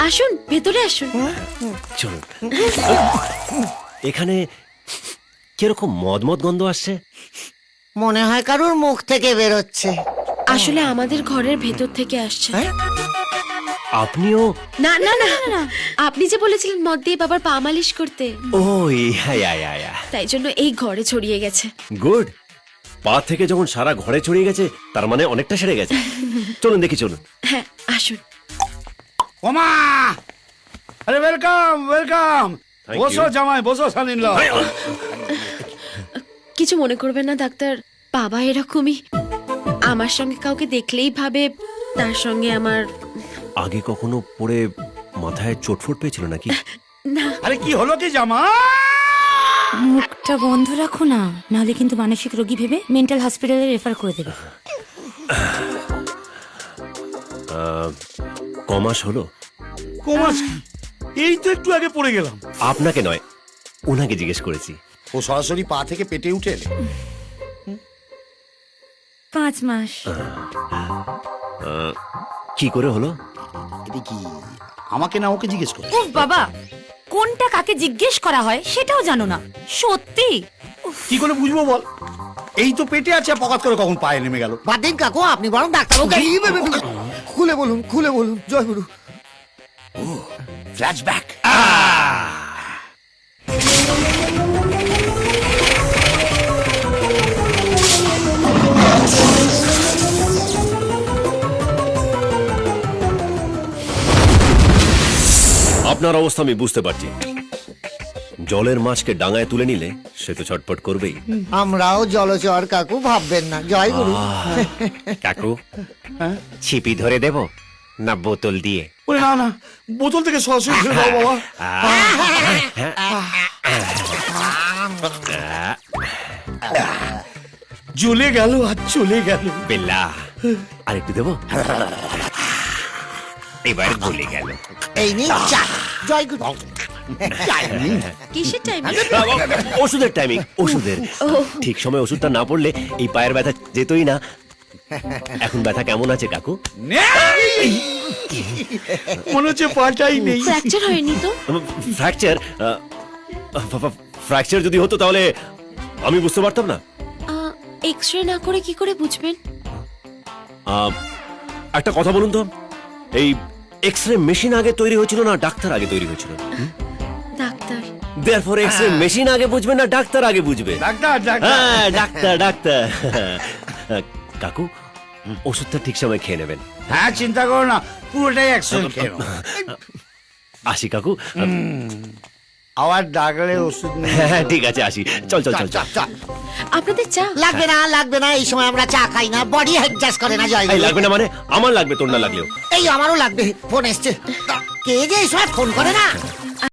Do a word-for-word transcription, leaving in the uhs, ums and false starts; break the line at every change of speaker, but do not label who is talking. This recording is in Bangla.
আসুন ভেতরে আসুন।
চলুন। এখানে কিরকম মদ মদ গন্ধ আসছে?
মনে হয় কারুর মুখ থেকে বেরোচ্ছে।
আসলে আমাদের ঘরের ভেতর থেকে আসছে।
আপনিও?
না না না না, আপনি যে বলেছিলেন মদ দিয়ে বাবার পা মালিশ করতে,
ও ইয়া ইয়া ইয়া ইয়া।
তাই জন্য এই ঘরে ছড়িয়ে গেছে।
গুড। পা থেকে যখন সারা ঘরে ছড়িয়ে গেছে তার মানে অনেকটা সেরে গেছে। চলুন দেখি, চলুন।
হ্যাঁ আসুন।
ওমা, আরে ওয়েলকাম ওয়েলকাম।
Thank
বসো
you.
জামাই, বসো সালিন লো।
কিছু মনে করবেন না ডাক্তার, বাবা এরকমই। আমার সঙ্গে কাউকে দেখলেই ভাবে তার সঙ্গে আমার।
আগে কখনো পড়ে মাথায় চোটফোট পেয়েছিল নাকি?
না,
আরে কি হলো কি জামা?
মুখটা বন্ধ রাখো না, নাহলে কিন্তু মানসিক রোগী ভেবে মেন্টাল হসপিটালে রেফার করে দেবে।
কমাস হলো?
কোমাস কি? এই তো একটু আগে পড়ে গেলাম।
আপনাকে নয়, ওনাকে জিজ্ঞেস করেছি।
ও সরাসরি পা থেকে পেটে উঠে এলে।
পাঁচ মাস।
কি করে হলো?
এটা কি আমাকে না ওকে জিজ্ঞেস করো?
উফ বাবা, কোনটা কাকে জিজ্ঞেস করা হয় সেটাও জানো না, সত্যি।
কি করে বুঝবো বল? এই তো পেটে আছে, পকাত করে কখন পায়ে নেমে গেল।
বাদ দিন কাকু, আপনি বরং ডাক্তারবাবু খুলে বলুন, খুলে বলুন। জয় গুরু।
ফ্ল্যাশব্যাক।
আপনার অবস্থা আমি বুঝতে পারছি। জলের মাছকে ডাঙায় তুলে নিলে সে তো ছটফট করবেই।
আমরাও জলচর কাকু, ভাববেন না। জয় গুরু।
কাকু, ছিপি ধরে দেব না বোতল দিয়ে?
ওরে না না, বোতল থেকে সরাসরি ছেড়ে দাও বাবা। জ্বলে গেল আর চলে গেল।
বেল্লা, আর একটু দেবো? এবার ভুলে গেল।
এই নিন চা। জয় গুরু।
কিসের টাইম?
ওষুধের টাইমিং, ওষুধের। ঠিক সময় ওষুধটা না পড়লে এই পায়ের ব্যথা যেতই না। এখন ব্যথা কেমন আছে কাকু?
নেই! মনে হচ্ছে পাটাই নেই।
ফ্র্যাকচার হয়নি তো?
ফ্র্যাকচার? ফ্র্যাকচার যদি হতো তাহলে আমি বুঝতে পারতাম না।
এক্সরে না করে কি করে বুঝবেন?
আহ, একটা কথা বলুন তো, এই এক্সরে মেশিন আগে তৈরি হয়েছিল না ডাক্তার আগে তৈরি হয়েছিল?
ডাক্তার।
দেয়ারফর এক্সরে মেশিন আগে বুঝবে না ডাক্তার আগে বুঝবে?
Doctor doctor.
হ্যাঁ, ডাক্তার ডাক্তার। কাকু, ওষুধটা ঠিক সময় খেয়ে নেবেন।
হ্যাঁ চিন্তা করো না, পুরোটাই একসঙ্গে খেয়ে নাও।
আসি কাকু।
আবার ডাকলে ওষুধ নেই।
হ্যাঁ ঠিক আছে, আসি। চল চল চল চল।
আপনাদের চা?
লাগবে না, লাগবে না। এই সময় আমরা চা খাই না, বডি অ্যাডজাস্ট করে না। জয়
এই
গুরু।
লাগবে না মানে? আমার লাগবে, তোর না লাগলেও।
এই আমারও লাগবে। ফোন এসছে। কে যে এই সময় ফোন করে না।